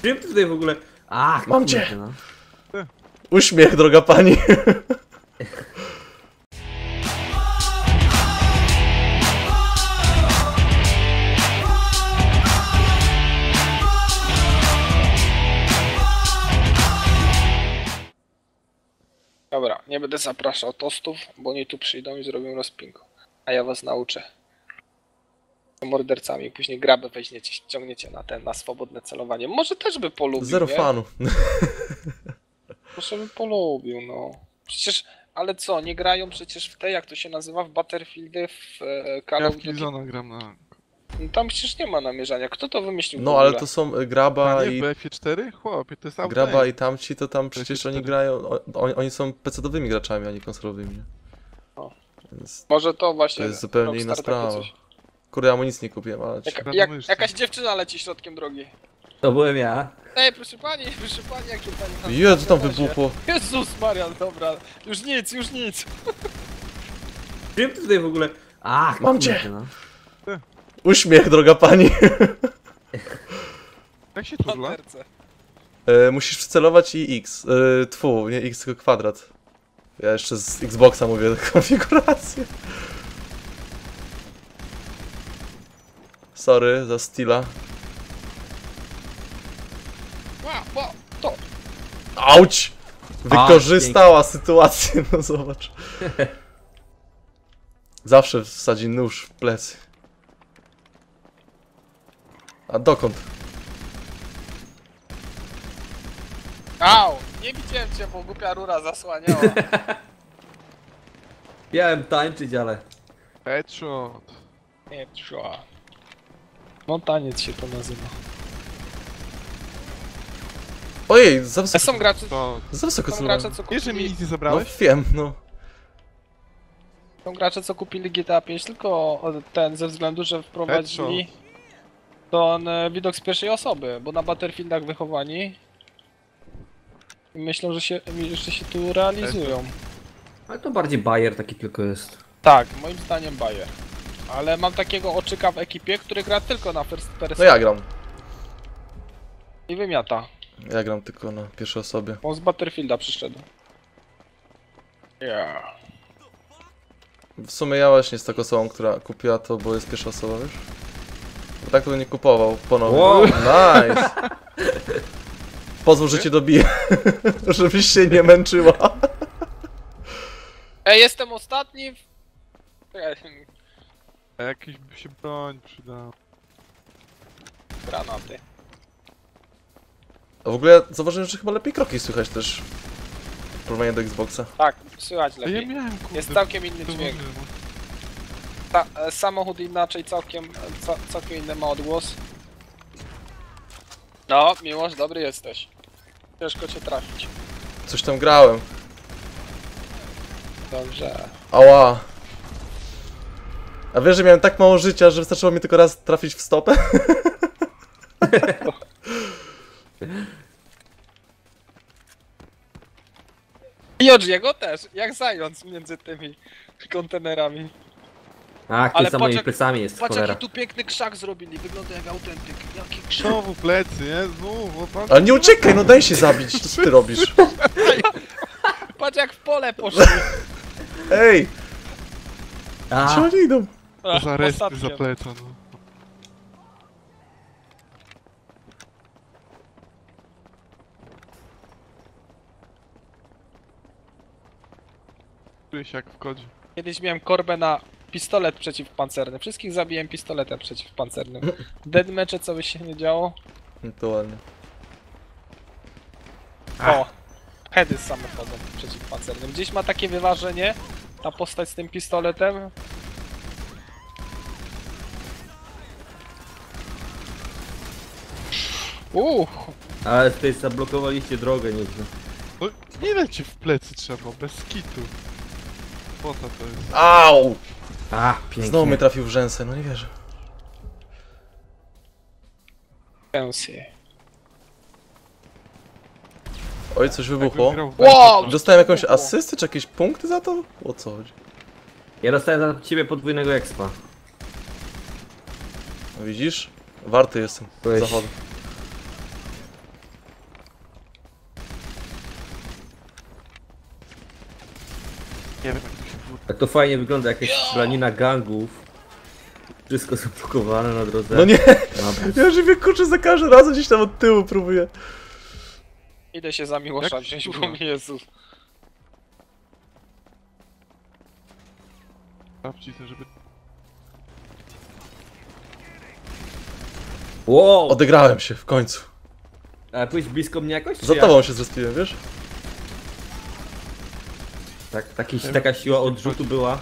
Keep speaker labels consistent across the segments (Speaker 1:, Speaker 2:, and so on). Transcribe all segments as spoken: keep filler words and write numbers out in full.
Speaker 1: Wiem tutaj w ogóle.
Speaker 2: Ach,
Speaker 3: mam cię!
Speaker 2: No.
Speaker 3: Uśmiech, droga pani.
Speaker 4: Dobra, nie będę zapraszał tostów, bo oni tu przyjdą i zrobią rozpinku. A ja was nauczę. Mordercami, później grabę weźmiecie, ściągniecie na ten, na swobodne celowanie. Może też by polubił,
Speaker 3: Zero
Speaker 4: nie?
Speaker 3: fanu.
Speaker 4: Może by polubił, no. Przecież, ale co, nie grają przecież w te, jak to się nazywa, w Battlefieldy, w e, Call
Speaker 5: Ja
Speaker 4: of
Speaker 5: w
Speaker 4: Duty.
Speaker 5: Killzona gram na...
Speaker 4: No tam przecież nie ma namierzania. Kto to wymyślił w
Speaker 3: No
Speaker 4: ogóle?
Speaker 3: ale to są y, graba
Speaker 5: A nie,
Speaker 3: i...
Speaker 5: w B F cztery? Chłopie, to jest auto.
Speaker 3: Graba i tamci to tam przecież
Speaker 5: cztery.
Speaker 3: oni grają... o- Oni, oni są pecetowymi graczami, a nie konsolowymi.
Speaker 4: O.
Speaker 3: Więc
Speaker 4: Może to właśnie.
Speaker 3: to jest zupełnie
Speaker 4: Rockstar
Speaker 3: inna
Speaker 4: takie
Speaker 3: sprawa.
Speaker 4: coś.
Speaker 3: Kurde, ja mu nic nie kupiłem, ale...
Speaker 4: Jaka,
Speaker 5: Trzeba
Speaker 4: jak,
Speaker 5: domyśleć.
Speaker 4: jakaś dziewczyna leci środkiem drogi.
Speaker 2: To byłem ja.
Speaker 4: Ej, proszę pani, proszę pani, jakie pani...
Speaker 3: Jezu, tam wybuchło.
Speaker 4: Jezus Maria, dobra. Już nic, już nic.
Speaker 1: Wiem tutaj w ogóle.
Speaker 2: Ach,
Speaker 3: mam cię!
Speaker 2: No.
Speaker 3: Uśmiech, droga pani.
Speaker 5: Jak się turla?
Speaker 4: Panterce.
Speaker 3: E, musisz przycelować i X. E, tfu, nie X, tylko kwadrat. Ja jeszcze z Xboxa mówię konfigurację. Sorry za Steela.
Speaker 4: Wow, wow, to.
Speaker 3: Auć! Wykorzystała sytuację, no zobacz. Zawsze wsadzi nóż w plecy. A dokąd?
Speaker 4: Au! Nie widziałem cię, bo głupia rura zasłaniała.
Speaker 2: Miałem tańczyć, ale...
Speaker 5: Headshot.
Speaker 4: Nie, trzeba. No taniec się to nazywa.
Speaker 3: Ojej, za
Speaker 4: A
Speaker 3: wysoko,
Speaker 4: są gracze,
Speaker 5: To...
Speaker 3: za wysoko
Speaker 4: są
Speaker 3: celowałem.
Speaker 4: gracze, co
Speaker 5: Wiesz, że mi
Speaker 4: kupili,
Speaker 5: nic nie
Speaker 3: No
Speaker 5: zabrałeś?
Speaker 3: wiem, no.
Speaker 4: są gracze, co kupili G T A pięć tylko ten ze względu, że wprowadzili ten e, widok z pierwszej osoby, bo na Battlefieldach wychowani i myślą, że się, że się tu realizują.
Speaker 2: Ale to bardziej bajer taki tylko jest.
Speaker 4: Tak, moim zdaniem Bayer. Ale mam takiego oczyka w ekipie, który gra tylko na first person
Speaker 3: No ja gram.
Speaker 4: i wymiata.
Speaker 3: Ja gram tylko na pierwszej osobie.
Speaker 4: On z Battlefielda przyszedł. Yeah.
Speaker 3: W sumie ja właśnie z taką osobą, która kupiła to, bo jest pierwsza osoba, wiesz? Bo tak to bym nie kupował ponownie.
Speaker 2: Wow.
Speaker 3: Nice! Pozwól, że cię dobiję, żebyś się nie męczyła.
Speaker 4: Ej, jestem ostatni w...
Speaker 5: A jakiś by się broń przydał.
Speaker 4: Granaty.
Speaker 3: A w ogóle zauważyłem, że chyba lepiej kroki słychać też. W porównaniu do Xboxa.
Speaker 4: Tak, słychać
Speaker 5: A ja
Speaker 4: lepiej.
Speaker 5: miałem, kurde.
Speaker 4: Jest całkiem inny
Speaker 5: to
Speaker 4: dźwięk.
Speaker 5: może, no.
Speaker 4: Ta, e, samochód inaczej, całkiem, e, ca, całkiem inny ma odgłos. No, Miłosz, dobry jesteś. Ciężko cię trafić.
Speaker 3: Coś tam grałem.
Speaker 4: Dobrze.
Speaker 3: Ała. A wiesz, że miałem tak mało życia, że wystarczyło mi tylko raz trafić w stopę?
Speaker 4: I Odziego też, jak zając między tymi kontenerami.
Speaker 2: Ach, ty
Speaker 4: Ale
Speaker 2: za moimi
Speaker 4: patrz jak-
Speaker 2: plecami jest,
Speaker 4: Patrz
Speaker 2: cholera.
Speaker 4: jaki tu piękny krzak zrobili, wygląda jak autentyk. Jaki krzak.
Speaker 5: Znowu plecy, nie? Znów, o pan...
Speaker 3: Ale nie uciekaj, no daj się zabić, co ty robisz?
Speaker 4: Patrz jak w pole poszli.
Speaker 3: Ej, gdzie
Speaker 2: A,
Speaker 3: oni idą?
Speaker 4: Ach,
Speaker 5: Za respy
Speaker 4: ostatnio.
Speaker 5: za pleca, no. Czuję się jak w kodzie.
Speaker 4: Kiedyś miałem korbę na pistolet przeciwpancerny. Wszystkich zabiłem pistoletem przeciwpancernym. Deadmatche, co by się nie działo?
Speaker 3: No to ładnie.
Speaker 4: O! Heady z samochodem przeciwpancernym. Gdzieś ma takie wyważenie, ta postać z tym pistoletem. Uuu!
Speaker 2: ale tutaj zablokowaliście drogę nieźle.
Speaker 5: No, ile ci w plecy trzeba, bez kitu. Pota to jest.
Speaker 3: Au!
Speaker 2: Ach, pięknie.
Speaker 3: Znowu mnie trafił w rzęsę, no nie wierzę.
Speaker 4: Pensy.
Speaker 3: Oj, coś
Speaker 5: Jakbym
Speaker 3: wybuchło.
Speaker 5: grał w
Speaker 4: Wow!
Speaker 5: B F,
Speaker 3: Dostałem jakąś
Speaker 4: Wybuchło.
Speaker 3: asystę, czy jakieś punkty za to? O co chodzi?
Speaker 2: Ja dostałem za ciebie podwójnego expa.
Speaker 3: No widzisz? Warty jestem
Speaker 2: Byłeś-
Speaker 3: zachodu.
Speaker 5: Nie wiem jak to się wróci.
Speaker 2: Tak to fajnie wygląda, jakaś strzelanina gangów. Wszystko zablokowane na drodze.
Speaker 3: No nie!
Speaker 2: Mapy.
Speaker 3: Ja żywię kurczę za każdym razem gdzieś tam od tyłu próbuję.
Speaker 4: Idę się za Miłosza
Speaker 5: Jak
Speaker 4: wziąć, bo
Speaker 5: kurwa?
Speaker 4: mnie Jezus.
Speaker 5: Sprawdźcie, żeby...
Speaker 2: Wow!
Speaker 3: Odegrałem się w końcu.
Speaker 2: A pójdź blisko mnie jakoś? czy
Speaker 3: Za
Speaker 2: jak?
Speaker 3: tobą się zrespiłem, wiesz?
Speaker 2: Tak, taki, taka siła odrzutu była.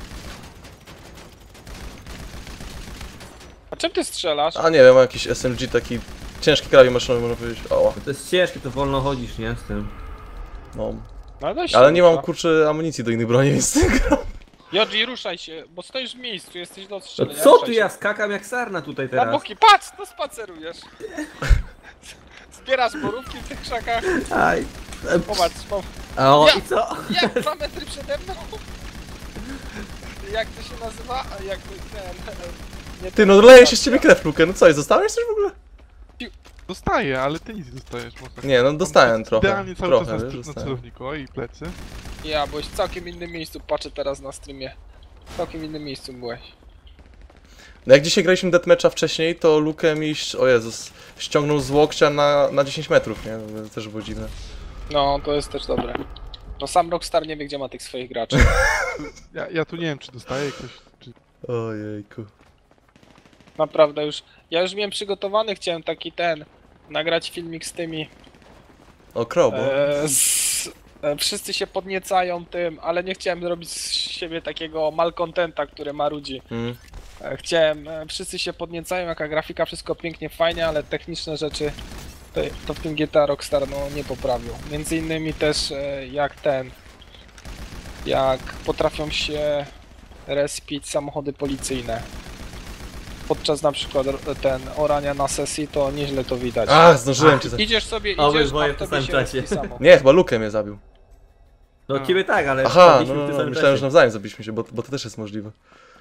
Speaker 4: A czym ty strzelasz?
Speaker 3: A nie wiem, mam jakiś S M G taki ciężki kraju maszynowy, można powiedzieć. O,
Speaker 2: No to jest ciężkie, to wolno chodzisz, nie? Z tym.
Speaker 3: no.
Speaker 4: No, weź
Speaker 3: Ale
Speaker 4: się
Speaker 3: nie mam
Speaker 4: rusza.
Speaker 3: kurczę amunicji do innych broni, więc nie gram.
Speaker 4: Jodzi, ruszaj się, bo stoisz w miejscu, jesteś do
Speaker 2: No
Speaker 4: strzelenia.
Speaker 2: co
Speaker 4: ruszaj
Speaker 2: ty,
Speaker 4: się.
Speaker 2: ja skakam jak sarna tutaj
Speaker 4: Na
Speaker 2: teraz.
Speaker 4: boki, patrz, to spacerujesz. Zbierasz borówki w tych krzakach.
Speaker 2: Aj.
Speaker 4: Popatrz, popatrz.
Speaker 2: A o,
Speaker 4: Ja!
Speaker 2: i co?
Speaker 4: Jak dwa metry przede mną? Jak to się nazywa? Jak to ten... Nie
Speaker 3: Ty, no leje się z ciebie krew, Luke. No co, i zostałeś coś w ogóle?
Speaker 5: Dostaję, ale ty nic nie dostajesz, może.
Speaker 3: Nie, no dostałem trochę.
Speaker 5: Idealnie cały
Speaker 3: Trochę,
Speaker 5: czas
Speaker 3: wiesz,
Speaker 5: na, na
Speaker 3: dostałem.
Speaker 5: celowniku, o i plecy.
Speaker 4: Ja, byłeś w całkiem innym miejscu, patrzę teraz na streamie. W całkiem innym miejscu byłeś.
Speaker 3: No jak dzisiaj graliśmy deathmatcha wcześniej, to Luke mi, o Jezus, ściągnął z łokcia na, na dziesięć metrów, nie? To też było dziwne.
Speaker 4: No, to jest też dobre. No sam Rockstar nie wie, gdzie ma tych swoich graczy.
Speaker 5: Ja, ja tu nie wiem, czy dostaję ktoś, czy...
Speaker 3: Ojejku.
Speaker 4: Naprawdę już... Ja już miałem przygotowany, chciałem taki ten... Nagrać filmik z tymi...
Speaker 3: O, krobo.
Speaker 4: E, z, e, wszyscy się podniecają tym, ale nie chciałem zrobić z siebie takiego malcontenta, który marudzi.
Speaker 3: Mm.
Speaker 4: E, chciałem... E, wszyscy się podniecają, jaka grafika, wszystko pięknie, fajnie, ale techniczne rzeczy... To, to w tym G T A Rockstar no, nie poprawił. Między innymi też e, jak ten... Jak potrafią się respić samochody policyjne. Podczas na przykład ro- ten orania na sesji, to nieźle to widać.
Speaker 3: A, zdążyłem cię za...
Speaker 4: Idziesz sobie,
Speaker 2: A,
Speaker 4: idziesz,
Speaker 2: obydwoje
Speaker 4: a
Speaker 2: w
Speaker 4: w
Speaker 2: tym
Speaker 4: tobie
Speaker 2: samym
Speaker 4: się
Speaker 2: czasie.
Speaker 4: respi samo.
Speaker 3: Nie, chyba Luke mnie zabił.
Speaker 2: No ciebie tak, ale
Speaker 3: Aha, no,
Speaker 2: wpadliśmy w
Speaker 3: no,
Speaker 2: tym
Speaker 3: no
Speaker 2: samym
Speaker 3: myślałem, że
Speaker 2: czasie.
Speaker 3: nawzajem zabiliśmy się, bo, bo to też jest możliwe.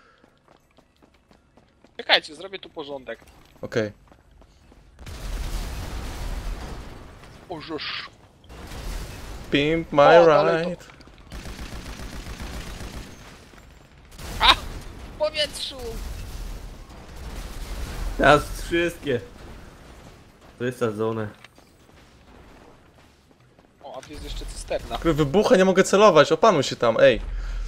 Speaker 4: Czekajcie, zrobię tu porządek.
Speaker 3: Okej.
Speaker 4: Ożeż.
Speaker 3: Pimp my
Speaker 4: O, dalej to-
Speaker 3: ride.
Speaker 4: W powietrzu!
Speaker 2: Teraz wszystkie. Wysadzone.
Speaker 4: O, a tu jest jeszcze cysterna.
Speaker 3: Kurde, wybucha, nie mogę celować, opanuj się tam, ej.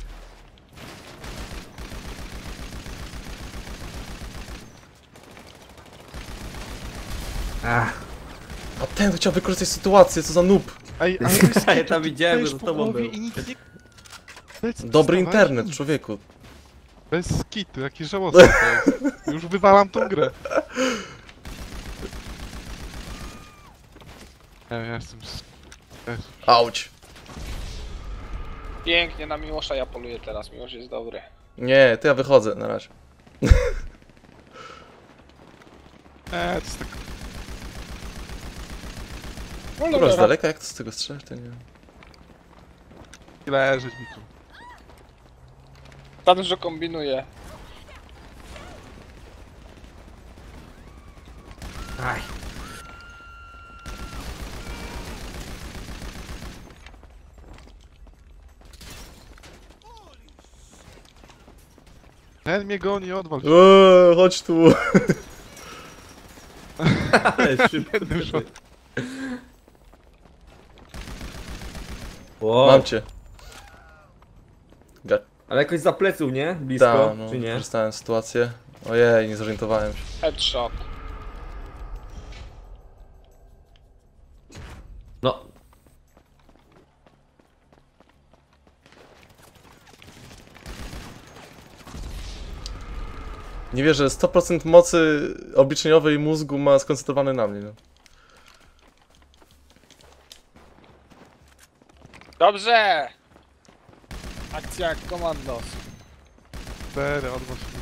Speaker 2: Ach,
Speaker 3: A ten chciał wykorzystać sytuację, co za noob.
Speaker 5: Ej, ale bez
Speaker 2: Ja
Speaker 5: kitu,
Speaker 2: tam
Speaker 5: ty
Speaker 2: widziałem,
Speaker 5: dostajesz
Speaker 2: że z
Speaker 5: po
Speaker 2: tobą
Speaker 5: głowie
Speaker 2: był.
Speaker 5: i nic nie... Plecy
Speaker 3: Dobry
Speaker 5: dostawałeś?
Speaker 3: internet,
Speaker 5: Nic.
Speaker 3: człowieku.
Speaker 5: Bez kitu, jakie żałosne to jest. Już wywalam tą grę. Ja, ja jestem... s- Jezu.
Speaker 3: Auć.
Speaker 4: Pięknie, na Miłosza ja poluję teraz, Miłosz jest dobry.
Speaker 3: Nie, to ja wychodzę na razie.
Speaker 5: Eee, to jest tak...
Speaker 4: No
Speaker 3: Dobra, z
Speaker 4: dobra,
Speaker 3: daleka, jak to z tego strzelać, to nie wiem.
Speaker 5: Leżeć mi tu.
Speaker 4: za dużo kombinuje.
Speaker 2: aj.
Speaker 5: Ten mnie goni, odwal się.
Speaker 3: Eee, chodź tu.
Speaker 2: Ale szybko.
Speaker 5: Wyszło.
Speaker 2: Wow.
Speaker 3: Mam cię. Ga-
Speaker 2: Ale jakoś za pleców, nie? Blisko,
Speaker 3: Ta, no,
Speaker 2: czy nie?
Speaker 3: wykorzystałem sytuację. Ojej, nie zorientowałem się.
Speaker 4: Headshot.
Speaker 2: No.
Speaker 3: Nie wierzę, sto procent mocy obliczeniowej mózgu ma skoncentrowany na mnie. No.
Speaker 4: Dobrze! Akcja jak komandos.
Speaker 5: Cztery, odwal się.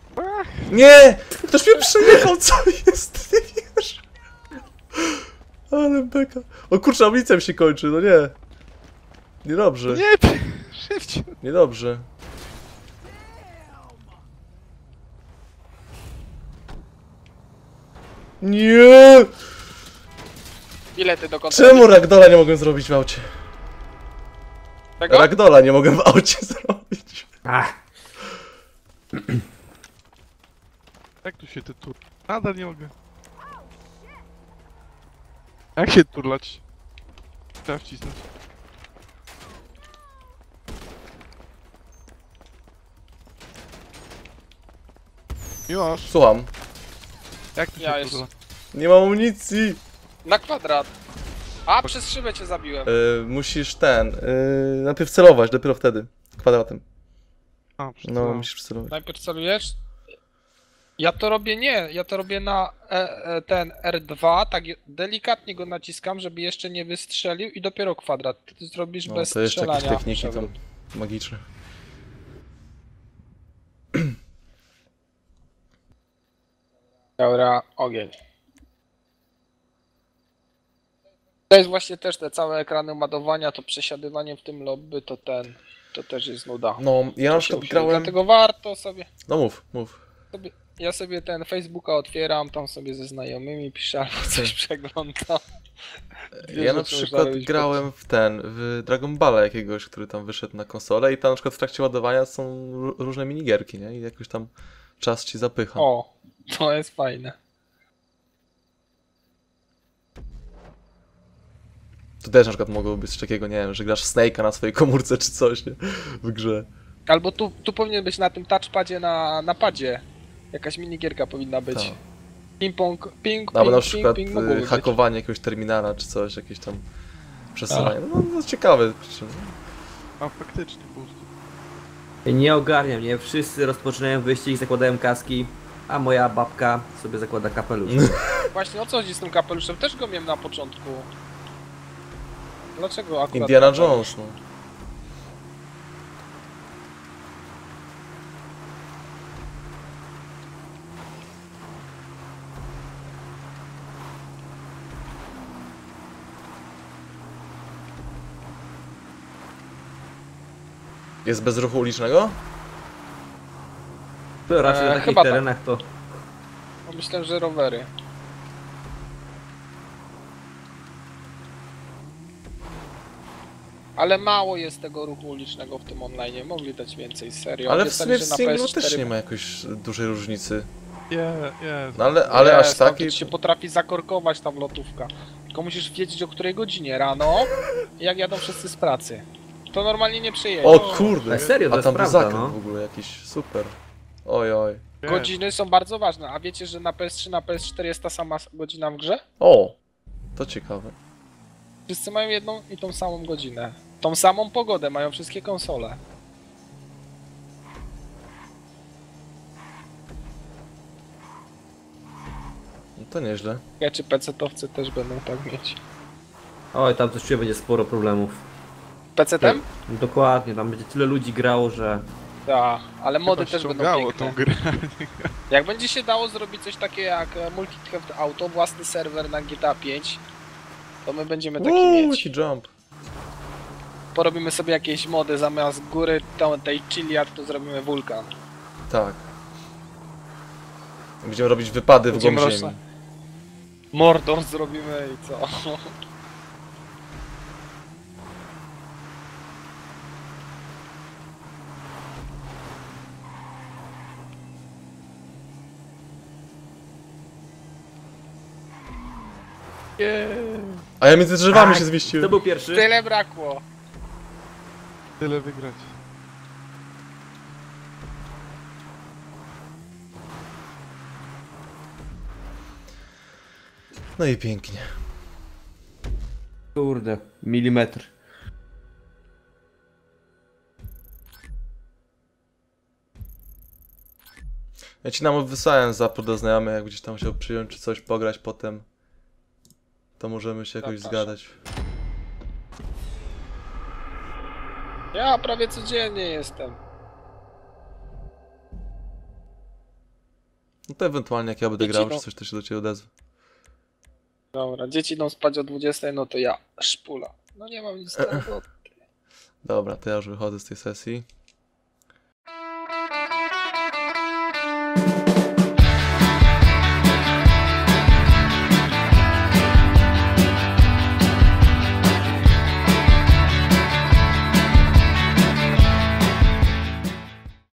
Speaker 3: Nie! Ktoś mnie przejechał, co jest? Nie wiesz? Ale beka. O kurczę, amunicja mi się kończy, no nie. Niedobrze,
Speaker 5: Nie, szybciej.
Speaker 3: niedobrze. Nie!
Speaker 4: Bilety do kontroli.
Speaker 3: Czemu ragdola nie mogłem zrobić w aucie?
Speaker 4: Tego?
Speaker 3: Ragdola nie mogłem w aucie zrobić.
Speaker 2: Ach,
Speaker 5: Jak tu się ty tur... Nadal nie mogę. Jak się turlać? Trzeba wcisnąć. Miłosz,
Speaker 3: Słucham.
Speaker 5: jak tu się
Speaker 4: Ja
Speaker 5: turla?
Speaker 3: Nie mam amunicji.
Speaker 4: Na kwadrat. A, przez szybę cię zabiłem.
Speaker 3: Yy, musisz ten. Yy, najpierw celować, dopiero wtedy. Kwadratem.
Speaker 5: A,
Speaker 3: No,
Speaker 5: przeczytałem.
Speaker 3: musisz celować.
Speaker 4: Najpierw celujesz? Ja to robię nie, ja to robię na e, e, ten R dwa, tak je- delikatnie go naciskam, żeby jeszcze nie wystrzelił i dopiero kwadrat. Ty to zrobisz
Speaker 3: No,
Speaker 4: bez
Speaker 3: to jeszcze jakieś
Speaker 4: strzelania.
Speaker 3: techniki tam
Speaker 4: przewrót.
Speaker 3: magiczne.
Speaker 4: Dobra, ogień. To jest właśnie też te całe ekrany ładowania, to przesiadywanie w tym lobby, to ten, to też jest nuda.
Speaker 3: No, ja na
Speaker 4: To się
Speaker 3: przykład
Speaker 4: usi-
Speaker 3: grałem.
Speaker 4: Dlatego warto sobie,
Speaker 3: No mów, mów.
Speaker 4: sobie, ja sobie ten Facebooka otwieram, tam sobie ze znajomymi piszę albo coś przeglądam. Dwie
Speaker 3: Ja na
Speaker 4: rzeczy
Speaker 3: przykład
Speaker 4: można robić
Speaker 3: grałem w ten, w Dragon Balla jakiegoś, który tam wyszedł na konsolę i tam na przykład w trakcie ładowania są ró- różne minigierki, nie? I jakoś tam czas ci zapycha.
Speaker 4: O, to jest fajne.
Speaker 3: To też na przykład mogło być coś takiego, nie wiem, że grasz Snake'a na swojej komórce czy coś, nie? W grze.
Speaker 4: Albo tu, tu powinien być na tym touchpadzie na, na padzie. Jakaś minigierka powinna być.
Speaker 3: Tak.
Speaker 4: Ping-pong, ping,
Speaker 3: Albo
Speaker 4: ping,
Speaker 3: na
Speaker 4: ping,
Speaker 3: przykład
Speaker 4: ping,
Speaker 3: y,
Speaker 4: mogłoby być.
Speaker 3: hakowanie jakiegoś terminala czy coś, jakieś tam przesyłanie. No, no ciekawe. kurczę.
Speaker 5: A faktycznie po prostu.
Speaker 2: nie ogarniam, nie? Wszyscy rozpoczynają wyścig, zakładają kaski, a moja babka sobie zakłada kapelusz.
Speaker 4: Właśnie o co chodzi z tym kapeluszem? Też go miałem na początku. Dlaczego akurat
Speaker 3: Indiana
Speaker 4: kapelusz?
Speaker 3: Jones, no. Jest bez ruchu ulicznego?
Speaker 2: To raczej
Speaker 4: Eee,
Speaker 2: na takich
Speaker 4: chyba tak.
Speaker 2: terenach to...
Speaker 4: No myślę, że rowery. Ale mało jest tego ruchu ulicznego w tym online, mogli dać więcej, serio.
Speaker 3: Ale w
Speaker 4: Obiecali,
Speaker 3: sumie w
Speaker 4: że na
Speaker 3: singlu
Speaker 4: P S cztery
Speaker 3: też nie ma jakoś dużej różnicy.
Speaker 5: Je, jest.
Speaker 3: No ale, ale
Speaker 4: Jest,
Speaker 3: aż
Speaker 4: tam
Speaker 3: takiej...
Speaker 4: to się potrafi zakorkować tam lotówka. Tylko musisz wiedzieć o której godzinie rano, jak jadą wszyscy z pracy. To normalnie nie przyjedzie.
Speaker 3: O kurde!
Speaker 2: Ale serio, to
Speaker 3: A
Speaker 2: jest
Speaker 3: tam był
Speaker 2: prawda,
Speaker 3: zakręt
Speaker 2: no.
Speaker 3: w ogóle jakiś, super. Oj, oj.
Speaker 5: Jest.
Speaker 4: Godziny są bardzo ważne, a wiecie, że na P S trzy, na P S cztery jest ta sama godzina w grze?
Speaker 3: O! To ciekawe.
Speaker 4: Wszyscy mają jedną i tą samą godzinę. Tą samą pogodę mają wszystkie konsole.
Speaker 3: No to nieźle.
Speaker 4: Ja czy pecetowcy też będą tak mieć.
Speaker 2: Oj, tam coś czuję, będzie sporo problemów.
Speaker 4: Pecetem?
Speaker 2: Dokładnie, tam będzie tyle ludzi grało, że...
Speaker 4: Tak, ale mody
Speaker 5: Chyba
Speaker 4: też będą
Speaker 5: ściągało
Speaker 4: piękne.
Speaker 5: tą grę.
Speaker 4: Jak będzie się dało zrobić coś takiego jak e, Multicraft Auto, własny serwer na G T A pięć, to my będziemy taki
Speaker 3: Uuu,
Speaker 4: mieć.
Speaker 3: jaki jump.
Speaker 4: Porobimy sobie jakieś mody zamiast góry tą, tej Chiliad, to zrobimy wulkan.
Speaker 3: Tak. Będziemy robić wypady w
Speaker 4: Będziemy
Speaker 3: głąb
Speaker 4: roz-
Speaker 3: ziemi.
Speaker 4: Mordor zrobimy i co?
Speaker 3: A ja między drzewami
Speaker 2: Tak,
Speaker 3: się zmieściłem.
Speaker 2: To był pierwszy.
Speaker 4: Tyle brakło.
Speaker 5: Tyle wygrać.
Speaker 3: No i pięknie.
Speaker 2: Kurde, milimetr.
Speaker 3: Ja ci nam wysłałem zapór do znajomych, jak gdzieś tam chciał przyjąć czy coś, pograć potem. To możemy się jakoś
Speaker 4: Zapraszam.
Speaker 3: zgadać.
Speaker 4: Ja prawie codziennie jestem.
Speaker 3: No to ewentualnie jak ja będę
Speaker 4: Wiecie,
Speaker 3: grał,
Speaker 4: no-
Speaker 3: czy coś, to się do ciebie odezwę.
Speaker 4: Dobra, dzieci idą spać o dwudziestej, no to ja szpula. No nie mam nic do roboty.
Speaker 3: Dobra, to ja już wychodzę z tej sesji.